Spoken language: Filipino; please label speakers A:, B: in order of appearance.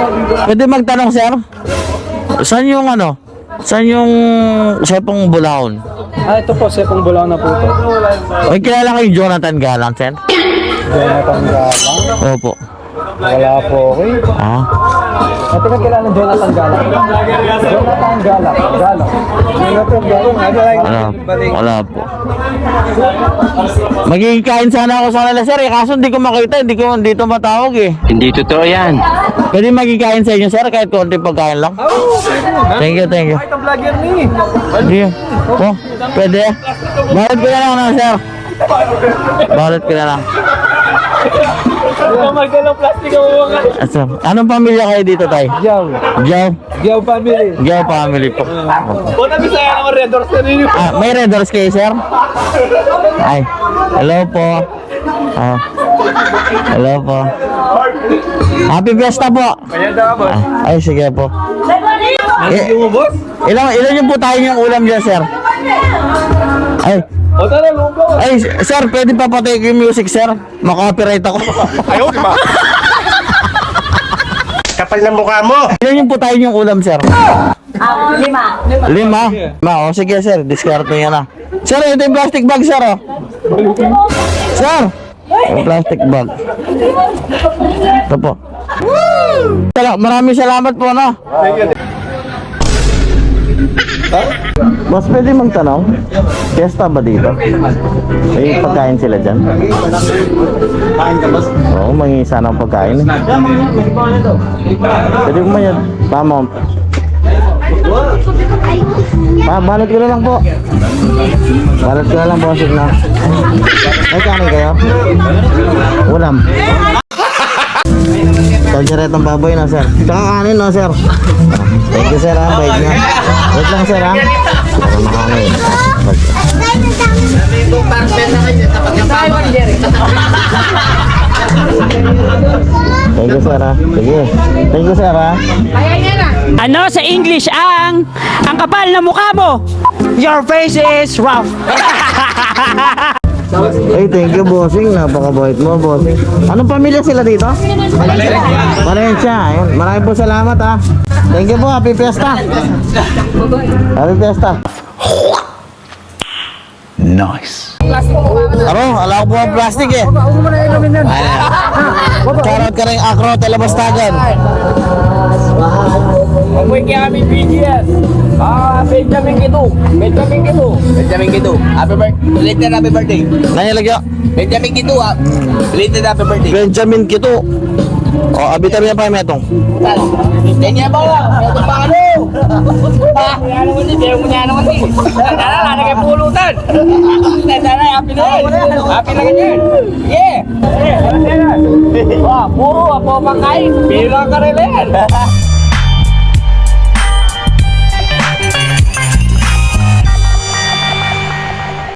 A: Pwede magtanong, sir? Saan yung ano? Saan yung Sepong Bulaon?
B: Ito po, Sepong Bulaon na po ito.
A: May kilala kayo Jonathan Galang, sir?
B: Jonathan Galang?
A: Opo.
B: Wala po, okay.
A: Ah?
B: Ito ka kilala ng Jonathan Galang? Jonathan Galang. Jonathan Galang.
A: Wala po. Magiging kain sana ako sa kanila, sir. Kaso hindi ko makita, hindi ko dito matawag eh.
C: Hindi totoo yan.
A: Pwede magiging kain sa inyo, sir, kahit konti pagkain lang. Thank you.
B: Kahit ang vlogger ni.
A: Sige. Oh, pwede. Balot ko na lang na, sir. Balot ko na lang.
B: Magkalang plastic ang mga.
A: Sir, anong pamilya kayo dito, tay?
B: Yaw.
A: Jow?
B: Yaw family.
A: Jow family po.
B: O nabisaya naman Red Doors na rin.
A: Ah, may Red Doors kayo, sir? Ay, hello po. Ah, hello po. Happy Fiesta po.
B: Kaya dapat.
A: Ay, sige po.
B: Yung boss?
A: Ilan yung po tayo yung ulam dyan, sir? Ay,
B: O tara, lumbo.
A: ay, sir, pwede pa patay yung music, sir? Makopyright ako.
B: Ayaw, di ba?
C: Kapal ng mukha mo!
A: Ilan yung po tayo yung ulam, sir?
D: 5.
A: 5? O, sige, sir, discard nyo yan na. Sir, ito yung plastic bag, sir, oh. Sir, yung plastic bag. Ito po. Maraming salamat po, no? Boss, pwede magtanong? Fiesta ba dito? May pagkain sila dyan?
B: Kain ka, boss?
A: Oo, may isa ng pagkain eh. Pwede ko man yan. Tama. Balot ko na lang po. Balot ko na lang, bossing na. May kanin kayo? Ulam. Kalderetang baboy na, sir. Saka kanin, no, sir? Thank you, sir, ha. Bait niya. Wait lang, sir, ha. Para makanin. Thank you, sir, ha. Sige. Thank you, sir, ha.
E: Ano sa English ang kapal na mukha mo? Your face is rough.
A: Hey, thank you, bossing. Napakabait mo, bossing. Anong pamilya sila dito? Valencia. Ayun. Maraming po salamat, ha. Thank you po. Happy Fiesta. Happy Fiesta.
C: Nice.
A: Ala ko po ang plastic eh. Charot ka rin akro, telebastagan.
B: Amoy kaya kami BGS. Benjamin Kido. Happy birthday. Belated happy birthday.
A: Nangyalagyo.
B: Benjamin Kido, belated happy birthday.
A: Benjamin Kito. O, abitan niya pa yung metong.
B: Kanya ba lang? Ito pa ano? Kaya naman din, kaya mo niya naman din. Tara, na kayo pulutan. Tara, happy na yun. Happy na ganyan. Yeah. Puro, apo pangkain. Bilang ka rin yan.